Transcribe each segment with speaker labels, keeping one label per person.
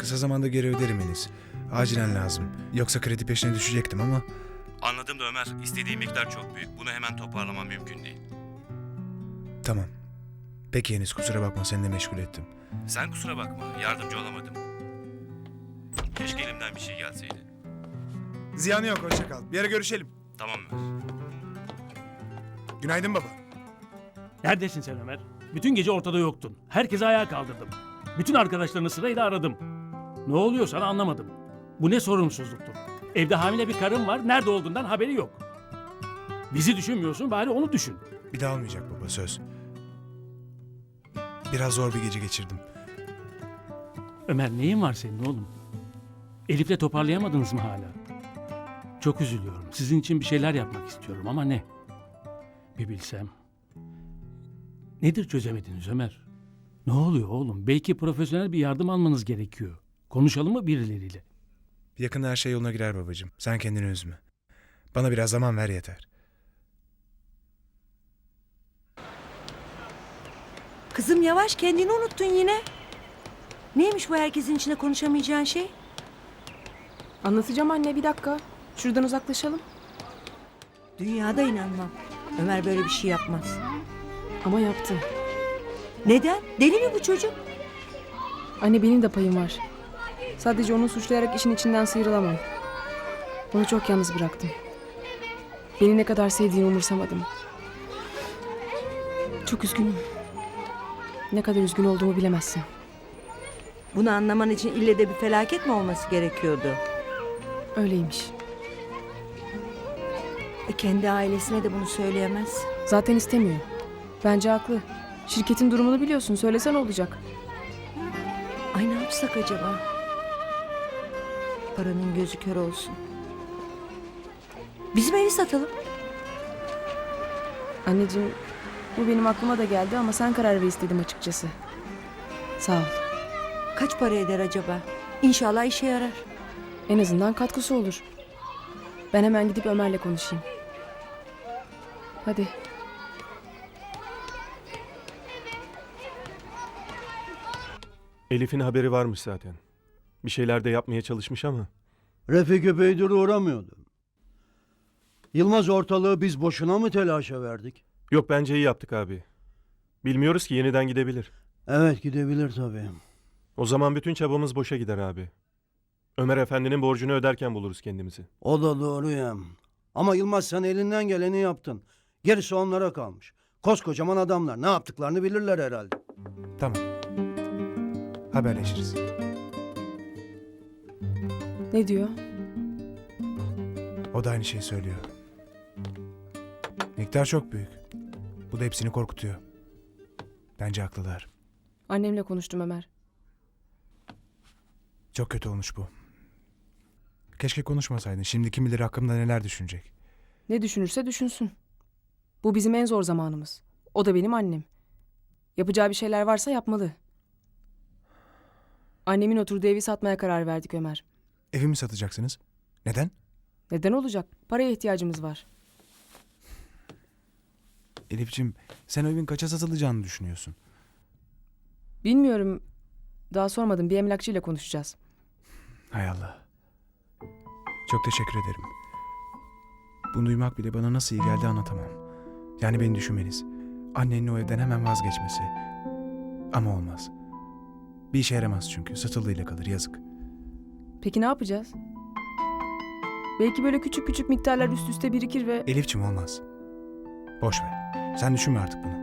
Speaker 1: Kısa zamanda geri öderim Enis. Acilen lazım. Yoksa kredi peşine düşecektim ama...
Speaker 2: Anladım da Ömer, istediği miktar çok büyük. Bunu hemen toparlamam mümkün değil.
Speaker 1: Tamam. Peki Enis, kusura bakma, seni de meşgul ettim.
Speaker 2: Sen kusura bakma, yardımcı olamadım. Keşke elimden bir şey gelseydi.
Speaker 1: Ziyanı yok, hoşça kal. Bir ara görüşelim.
Speaker 2: Tamam Ömer.
Speaker 1: Günaydın baba.
Speaker 3: Neredesin sen Ömer? Bütün gece ortada yoktun. Herkesi ayağa kaldırdım. Bütün arkadaşlarını sırayla aradım. Ne oluyor sana anlamadım. Bu ne sorumsuzluktur. Evde hamile bir karın var, nerede olduğundan haberi yok. Bizi düşünmüyorsun, bari onu düşün.
Speaker 1: Bir daha olmayacak baba, söz. Biraz zor bir gece geçirdim.
Speaker 3: Ömer, neyin var senin oğlum? Elif'le toparlayamadınız mı hala? Çok üzülüyorum. Sizin için bir şeyler yapmak istiyorum ama ne? Bir bilsem. Nedir çözemediniz Ömer? Ne oluyor oğlum? Belki profesyonel bir yardım almanız gerekiyor. Konuşalım mı birileriyle?
Speaker 1: Yakında her şey yoluna girer babacığım. Sen kendini üzme. Bana biraz zaman ver yeter.
Speaker 4: Kızım yavaş, kendini unuttun yine. Neymiş bu herkesin içinde konuşamayacağın şey?
Speaker 5: Anlatacağım anne, bir dakika. Şuradan uzaklaşalım.
Speaker 4: Dünyada inanmam. Ömer böyle bir şey yapmaz.
Speaker 5: Ama yaptı.
Speaker 4: Neden? Deli mi bu çocuk?
Speaker 5: Anne, benim de payım var. Sadece onu suçlayarak işin içinden sıyrılamam. Onu çok yalnız bıraktım. Beni ne kadar sevdiğini umursamadım. Çok üzgünüm. Ne kadar üzgün olduğumu bilemezsin.
Speaker 4: Bunu anlaman için ille de bir felaket mi olması gerekiyordu?
Speaker 5: Öyleymiş.
Speaker 4: Kendi ailesine de bunu söyleyemez.
Speaker 5: Zaten istemiyor. Bence haklı. Şirketin durumunu biliyorsun. Söylesen olacak.
Speaker 4: Ay, ne yapsak acaba? Paranın gözü kör olsun. Bizim evi satalım.
Speaker 5: Anneciğim, bu benim aklıma da geldi ama sen karar ver istedim açıkçası. Sağ ol.
Speaker 4: Kaç para eder acaba? İnşallah işe yarar.
Speaker 5: En azından katkısı olur. Ben hemen gidip Ömer'le konuşayım. Hadi.
Speaker 6: Elif'in haberi varmış zaten. Bir şeyler de yapmaya çalışmış ama.
Speaker 7: Refik epeydir uğramıyordu. Yılmaz ortalığı biz boşuna mı telaşa verdik?
Speaker 6: Yok, bence iyi yaptık abi. Bilmiyoruz ki, yeniden gidebilir.
Speaker 7: Evet, gidebilir tabii.
Speaker 6: O zaman bütün çabamız boşa gider abi. Ömer Efendi'nin borcunu öderken buluruz kendimizi.
Speaker 7: O da doğru ya. Ama Yılmaz, sen elinden geleni yaptın. Gerisi onlara kalmış. Koskocaman adamlar, ne yaptıklarını bilirler herhalde.
Speaker 1: Tamam. Haberleşiriz.
Speaker 5: Ne diyor?
Speaker 1: O da aynı şeyi söylüyor. Miktar çok büyük. Bu da hepsini korkutuyor. Bence haklılar.
Speaker 5: Annemle konuştum Ömer.
Speaker 1: Çok kötü olmuş bu. Keşke konuşmasaydın. Şimdi kim bilir hakkımda neler düşünecek.
Speaker 5: Ne düşünürse düşünsün. Bu bizim en zor zamanımız. O da benim annem. Yapacağı bir şeyler varsa yapmalı. Annemin oturduğu evi satmaya karar verdik Ömer.
Speaker 1: Evimi satacaksınız. Neden?
Speaker 5: Neden olacak? Paraya ihtiyacımız var.
Speaker 1: Elif'ciğim, sen o evin kaça satılacağını düşünüyorsun?
Speaker 5: Bilmiyorum. Daha sormadım. Bir emlakçıyla konuşacağız.
Speaker 1: Hay Allah. Çok teşekkür ederim. Bunu duymak bile bana nasıl iyi geldi anlatamam. Yani beni düşünmeniz. Annenin o evden hemen vazgeçmesi. Ama olmaz. Bir işe yaramaz çünkü. Satıldığıyla kalır, yazık.
Speaker 5: Peki ne yapacağız? Belki böyle küçük küçük miktarlar üst üste birikir ve...
Speaker 1: Elif'ciğim, olmaz. Boş ver. Sen düşünme artık bunu.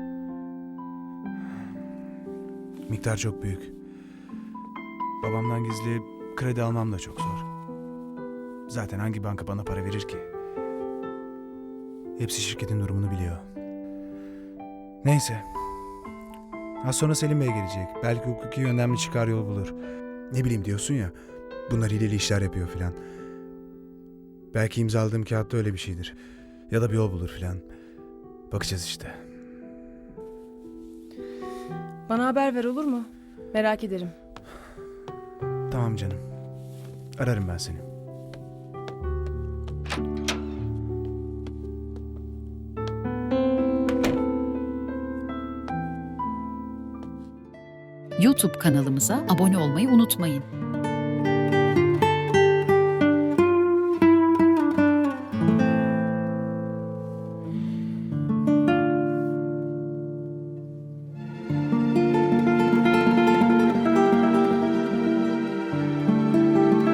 Speaker 1: Miktar çok büyük. Babamdan gizli kredi almam da çok zor. Zaten hangi banka bana para verir ki? Hepsi şirketin durumunu biliyor. Neyse. Az sonra Selim Bey gelecek. Belki hukuki yönden bir çıkar yol bulur. Ne bileyim, diyorsun ya, bunlar hileli işler yapıyor filan. Belki imzaladığım kağıtta öyle bir şeydir. Ya da bir yol bulur filan. Bakacağız işte.
Speaker 5: Bana haber ver, olur mu? Merak ederim.
Speaker 1: Tamam canım. Ararım ben seni.
Speaker 8: YouTube kanalımıza abone olmayı unutmayın.